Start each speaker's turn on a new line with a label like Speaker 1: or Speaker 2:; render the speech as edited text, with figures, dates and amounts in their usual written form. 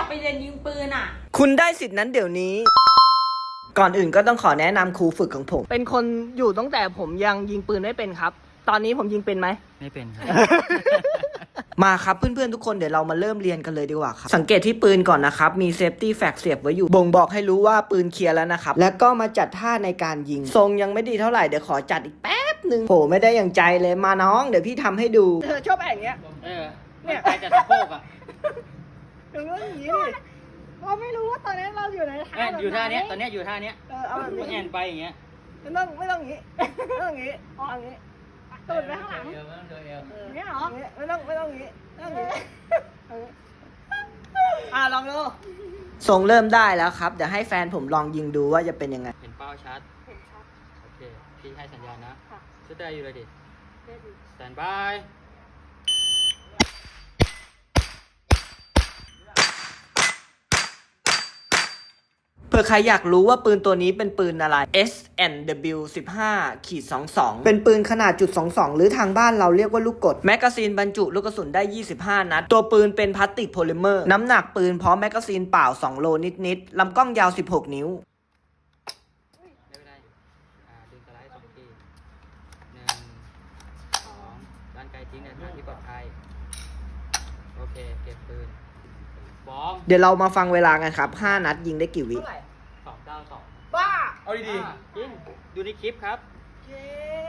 Speaker 1: ไปเรียนยิงปืนอ่ะ
Speaker 2: คุณได้สิทธินั้นเดี๋ยวนี้ ก่อนอื่นก็ต้องขอแนะนำครูฝึกของผม เป็นคนอยู่ตั้งแต่ผมยังยิงปืนไม่เป็นครับ ตอนนี้ผมยิงเป็นไหม
Speaker 3: ไม่เป็นครับ
Speaker 2: มาครับเพื่อนๆทุกคนเดี๋ยวเรามาเริ่มเรียนกันเลยดีกว่าครับสังเกตที่ปืนก่อนนะครับมีเซฟตี้แฟกเสียบไว้อยู่บ่งบอกให้รู้ว่าปืนเคลียร์แล้วนะครับแล้วก็มาจัดท่าในการยิงทรงยังไม่ดีเท่าไหร่เดี๋ยวขอจัดอีกแป๊บนึงโหไม่ได้อย่างใจเลยมาน้องเดี๋ยวพี่ทำให้ดูเธอชอบอย่างเงี้ย
Speaker 3: เนี่ยใครจะสะโพกอ่ะ
Speaker 2: ถึงเรื่องอย่างนี้ดิเราไม่รู้ว่าตอนนี้เราอยู่ในท่า
Speaker 3: อยู่ท่าเนี้ยตอนเนี้ยอยู่ท่าเนี้ย
Speaker 2: เอาแบบนี้
Speaker 3: แอนไปอย่างเงี้ย
Speaker 2: ไม่ต้องอย่างนี้ไม่ต้องอย่างนี้เอาอย่างนี้ตูดไปข้างหลัง
Speaker 3: เอวไม่ต้องเดินเอว
Speaker 2: อย่างนี้เหรอไม่ต้องอย่างนี้ต้องอย่างนี้ลองดูทรงเริ่มได้แล้วครับเดี๋ยวให้แฟนผมลองยิงดูว่าจะเป็นยังไง
Speaker 3: เห็นเป้าชัดโอเคพี่ให้สัญญาณนะชุดได้อยู่เลยดิสแตนบาย
Speaker 2: เผื่อใครอยากรู้ว่าปืนตัวนี้เป็นปืนอะไร S&W 15-22 เป็นปืนขนาดจุด22หรือทางบ้านเราเรียกว่าลูกกดแมกกาซีนบรรจุลูกกระสุนได้25นัดตัวปืนเป็นพลาสติกโพลิเมอร์น้ำหนักปืนพร้อมแมกกาซีนเปล่า2โลนิดๆลำกล้องยาว16นิ้ว
Speaker 3: ได้ไม่ได้อยู่ดึงสไลด์2 ที 1 2ด้านไกลทิ้งในทางที่ปลอดภัยโอเคเก็บปืนฟ้อง
Speaker 2: เดี๋ยวเรามาฟังเวลากันครับ5นัดยิงได้กี่วิ
Speaker 3: 292
Speaker 2: บ้า
Speaker 3: เอาดีๆจริงดูในคลิปครับ